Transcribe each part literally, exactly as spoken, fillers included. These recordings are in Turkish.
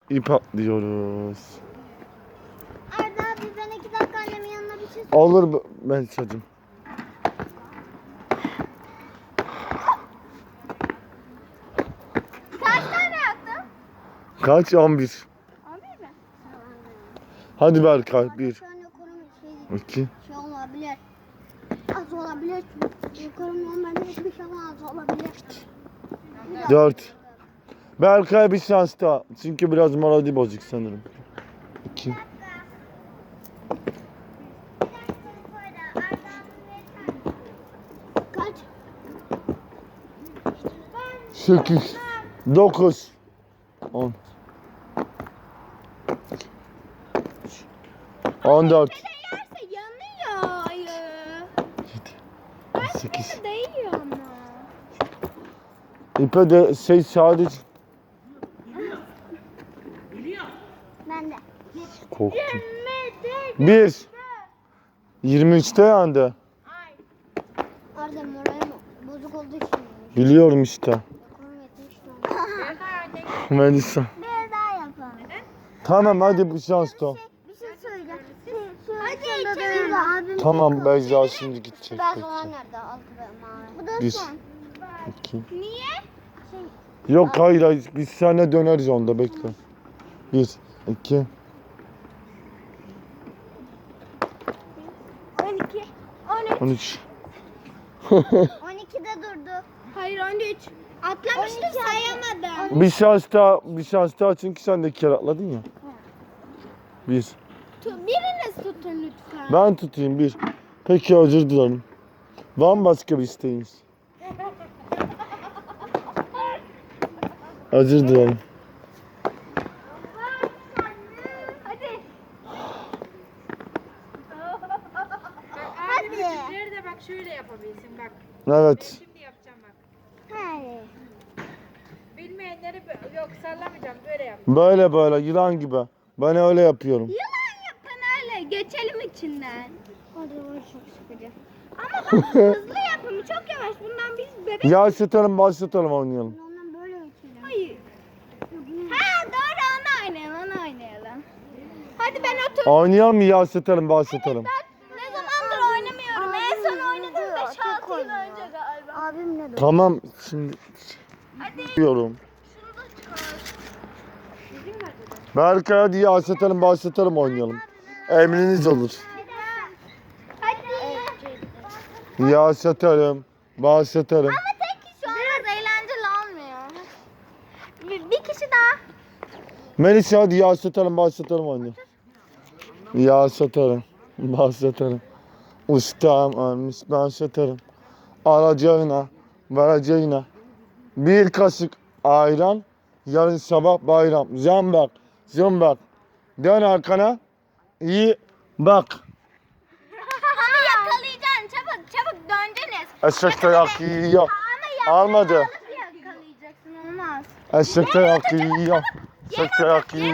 ip atlıyoruz. Arda abi ben iki dakika annemin yanına bir şey Olur ben çocuğum. Kaç tane yaptın? Kaç? on bir. on bir mi? Hadi Berkay. bir, Şu an yukarı şey, iki. şey olabilir. Az olabilir. Yukarı normalde hiçbir şey az olabilir. dört. Berkay bir şans daha. Çünkü biraz melodi bozuk sanırım. iki. Kaç? sekiz. dokuz. on. on dört. Yerse yanıyor ayı. sekiz. Değiyor ama. İpe de şey sadece Ben de. korktum. bir. yirmi üçte yandı. Arda moralim bozuk olduğu için. Biliyorum işte. Yukarı yetmiş Melisa. Bir daha yapalım. Tamam hadi bu şans da. Bir şey söyleyeceğim. Hadi içelim. Abim Tamam Beyza şimdi gidecek. Ben bekle. soğan nerede? Altı ve mavi. Bu da Bir. son. iki. Niye? Yok hayır hayır biz seninle döneriz onda bekle. bir, iki. on iki. on üç. on üç. on ikide durdu. Hayır on üç. Atlamıştı sayamadım. Bir şans daha, bir şans daha çünkü sen de iki kere atladın ya. bir. Biriniz tutun lütfen. Ben tutayım bir. Peki özür dilerim. Var mı başka bir isteğiniz? Özür dilerim. Hadi. Hadi. Küçükleri de bak şöyle yapabilsin bak. Evet. Şimdi yapacağım bak. Hadi. Bilmeyenleri bö- yok sallamayacağım böyle yap. Böyle böyle yılan gibi. Ben öyle yapıyorum. Yılan yapın öyle. Geçelim içinden. Hadi o çok sıkıcı. Ama bak hızlı yapın. Çok yavaş. Bundan biz bebek. Yaşatalım başlatalım oynayalım. Ondan böyle geçelim. Hayır. Ha doğru onu oynayalım. Onu oynayalım. Hadi ben otur. Oynayalım mı yaşatalım başlatalım. Ben ne zamandır oynamıyorum. En son oynadım beş altı yıl önce galiba. Abim ne diyor? Tamam şimdi Hadi. diyorum. Şunu da çıkar. Berkay hadi yaşatalım başlatalım oynayalım. Emriniz olur. Hadi. Yaşatalım başlatalım. Ama tek kişi olmaz. Eğlenceli olmuyor. Bir, bir kişi daha. Melisa hadi yaşatalım başlatalım oynayalım. Yaşatalım başlatalım. Ustam ölmüş başlatalım. Alacağına vereceğine. Bir kaşık ayran. Yarın sabah bayram. Zambak zambak. Dön arkana. İyi bak. Onu yakalayacaksın. Çabuk çabuk döneceksiniz. Eşekte yak yiyor. Ama Almadı. yakalayacaksın. Olmaz. Eşekte yak yiyor. Eşekte yak yiyor.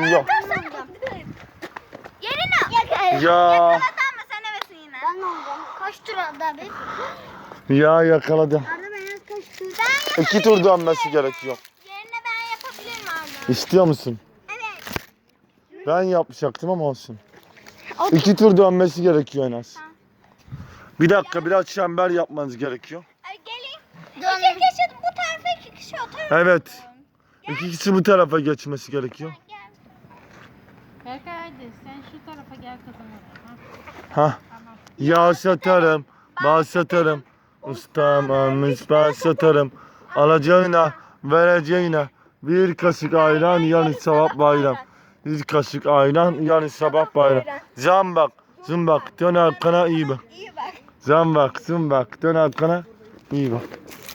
Yerine. Ya. Yakalasan mı sen evesin yine? Ben olacağım. Kaç tur aldı abi? Ya yakaladı. Arda ben kaç tur? Ben İki tur dönmesi gerekiyor. Yerine ben yapabilirim Arda. İstiyor musun? Evet. Ben yapacaktım ama olsun. İki tur dönmesi gerekiyor en az. Bir dakika biraz çember yapmanız gerekiyor. Ay, gelin. İki kişi bu tarafa iki kişi o tarafa. Evet. İki kişi bu tarafa geçmesi gerekiyor. Gel. Berkay hadi sen şu tarafa gel kızım. Ha, Ha. tamam. Yaşatarım, başlatarım. Ustam almış başlatarım. Alacağına, vereceğine. Bir kaşık ayran, yarın sabah bayram. Bir kaşık ayran, yarın sabah bayram. Zambak, zımbak, dön arkana iyi bak. İyi bak. Zambak, zımbak, dön arkana iyi bak.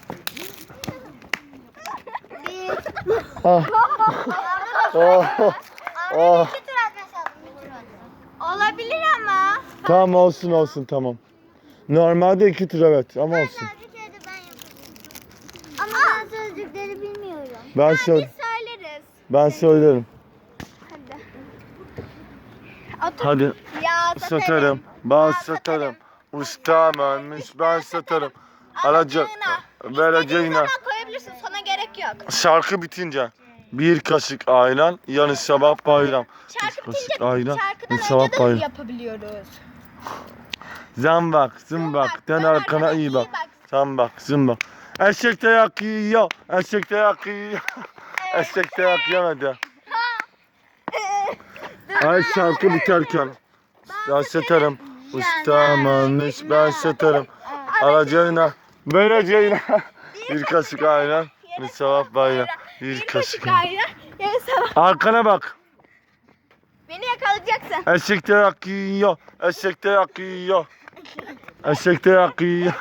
Bir. Ah. Oh. Oh. İki tur atmış aldım. Bir tur atmış. Olabilir ama. Tamam olsun olsun tamam. Normalde iki tur evet ama olsun. Sözcükleri de ben yapabilirim. Ama ben sözcükleri bilmiyorum. Ben Ha, söyle biz söyleriz. ben söylerim. Hadi. Otur. Hadi. Ya Satarım, ben satarım. Ustam ölmüş, ben satarım. Alacak, İstediğin vereceğine. zaman koyabilirsin. Sana gerek yok. Şarkı bitince. Bir kaşık ayran, yarın sabah bayram. Şarkı Bir kaşık bitince ayran, şarkıdan bir sabah önce de bayram. yapabiliyoruz. Zambak, zımbak, dön arkana iyi bak. Zambak, zımbak. Eşek de yak yiyor, eşek de yak yiyor. Eşek de yak yemedi. Ay şarkı biterken. Ben satarım, ustam almış ben satarım. Alacağına, vereceğine. Bir kaşık ayran, bir sabah bayram. Bir kaşık ayran. ayran. Yarın sabah. Arkana bak. Beni yakalayacaksın. Eşek de yak yiyor, eşek de yak yiyor. Eşek de yak yiyor.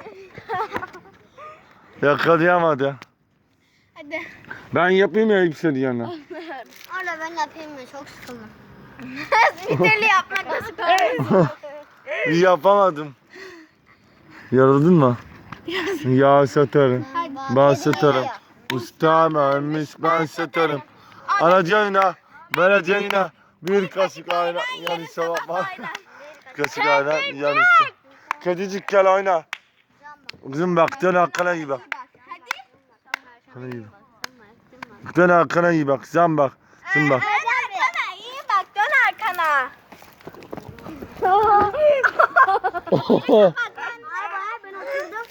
Yakalayamadı. Hadi. Ben yapayım ya hepsini yanına. Orada ben yapayım mı? Çok sıkıldım. Bir türlü yapmak nasıl kolay? Yapamadım. Yoruldun mu? Ya satarım, ben satarım. Ustam ölmüş ben satarım. Alacağına, vereceğine. Bir kaşık ayran, yarın sabah var. Bir kaşık ayran, yarın sabah. Kedicik gel oyna. Kızım bak dön arkana iyi bak. Arkana iyi bak. Dön arkana iyi bak. Sen bak. Sen bak. Dön arkana, iyi bak, dön arkana. Ben oturdum.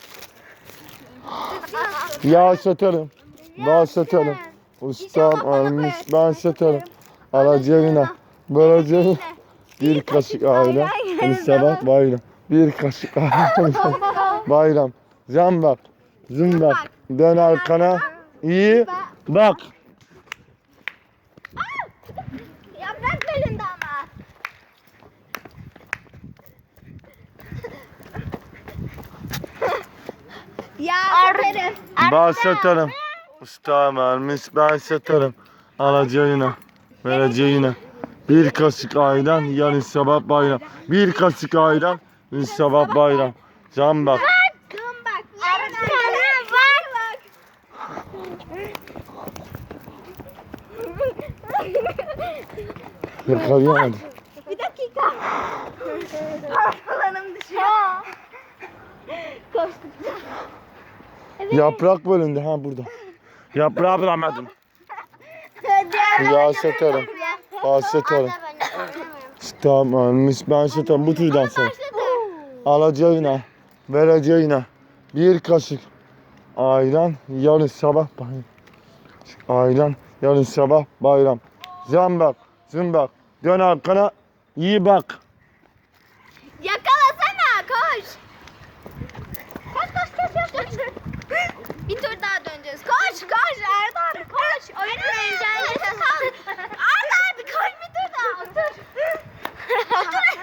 Ya satarım. Ben satarım. Ustam ölmüş ben satarım. Alacağına, vereceğine. Bir kaşık ayran, bir sabah bayram. Bir kaşık ayran, bayram. Sen bak. Zın bak. Dön arkana. İyi bak. Yaprak bölündü ama. Ya satarım. Ben satarım. Ustam ölmüş ben satarım. Alacağına, vereceğine. Bir kaşık ayran, yarın sabah bayram. Bir kaşık ayran, yarın sabah bayram. Can bak. Dön bak. Arkana bak. Yakalayamadım. Bir dakika. Parmalarım düşüyor. Koştukça. Yaprak bölündü ha burada. Yaprağı bulamadım. Ya satarım. Ben satarım. Ustam ölmüş ben satarım. Bu türden sonra. Alacağına, vereceğine. Bir kaşık ayran, yarın sabah bayram. Ayran, yarın sabah bayram. Zambak, zımbak, dön arkana, iyi bak. Yakalasana, koş. Koş koş koş koş. koş. Bir tur daha döneceğiz. Koş koş Arda abi koş. Oyunun eğlencesi kal. Arda abi koş bir tur daha. Otur. Otur.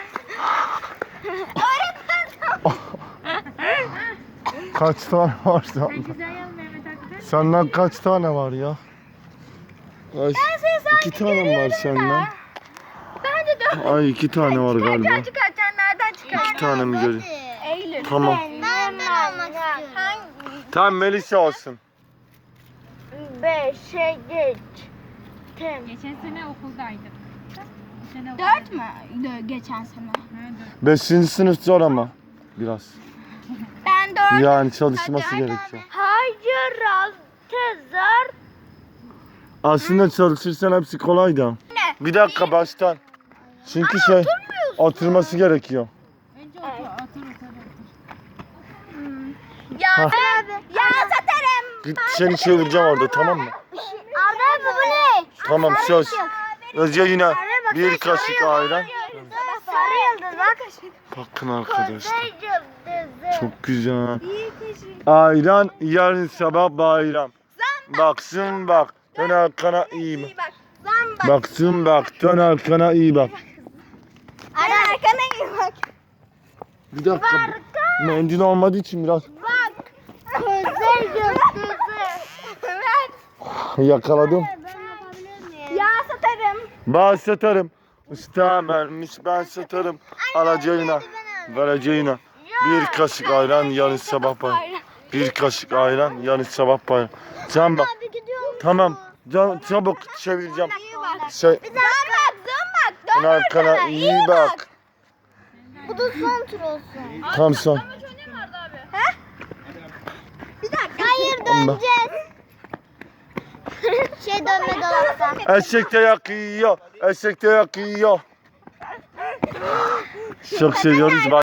Öğretmen. Kaç tane var Sen senden? güzel yaz Mehmet Akif. Senden kaç tane var ya? Ay, seni iki tane mi var senden? Ben de dön. Ay iki tane var galiba. Çıkar çıkar nereden çıkar? İki tane mi görüyor? Eylül. Tamam. Ben de olmak istiyorum. Hangi? Tamam Melisa olsun. Beşe geç. Tem. Geçen sene okuldaydım. Bu sene Dört mü? Dö- geçen sene. Ha, dört. Beşinci sınıf zor ama. Biraz. Ben dört. Yani çalışması Hadi, gerekiyor. Hayır altı zor. Aslında çalışırsan hepsi kolay da. Ne? Bir dakika baştan. Çünkü şey oturması gerekiyor. Önce otur, otur, otur, otur. Ya Ha. abi. Ya satarım. Git seni çevireceğim orada tamam mı? Arda abi bu ne? Tamam söz. Önce yine bir kaşık ayran. Sarı yıldız bak. Bakın arkadaşlar. yıldızı. Çok güzel. Bir kaşık. Ayran yarın sabah bayram. Baksın bak. Dön arkana iyi bak. İyi bak. Zam bak. Baksın bak. Dön arkana iyi bak. Arda arkana iyi bak. Bir dakika. Mendil olmadığı için biraz Bak. Kuzey yıldızı. Ver. yakaladım. Ben yapabilir miyim? Ya satarım. Ben satarım. Ustam vermiş ben satarım. Alacağına, vereceğine. Bir kaşık ayran yarın sabah bayram. Bir kaşık ayran yarın sabah bayram. Can bak. Abi gidiyorum. Tamam. Can, çabuk çevireceğim. İyi bak. Şey, Zam bak, zam bak. dön Dön arkana iyi bak. Bu da son tur olsun. Tam son. Bir dakika. Hayır Tamam. döneceğiz. Şey dönme dolapta. Eşek de yakıyor. Eşek de yakıyor. Çok seviyoruz.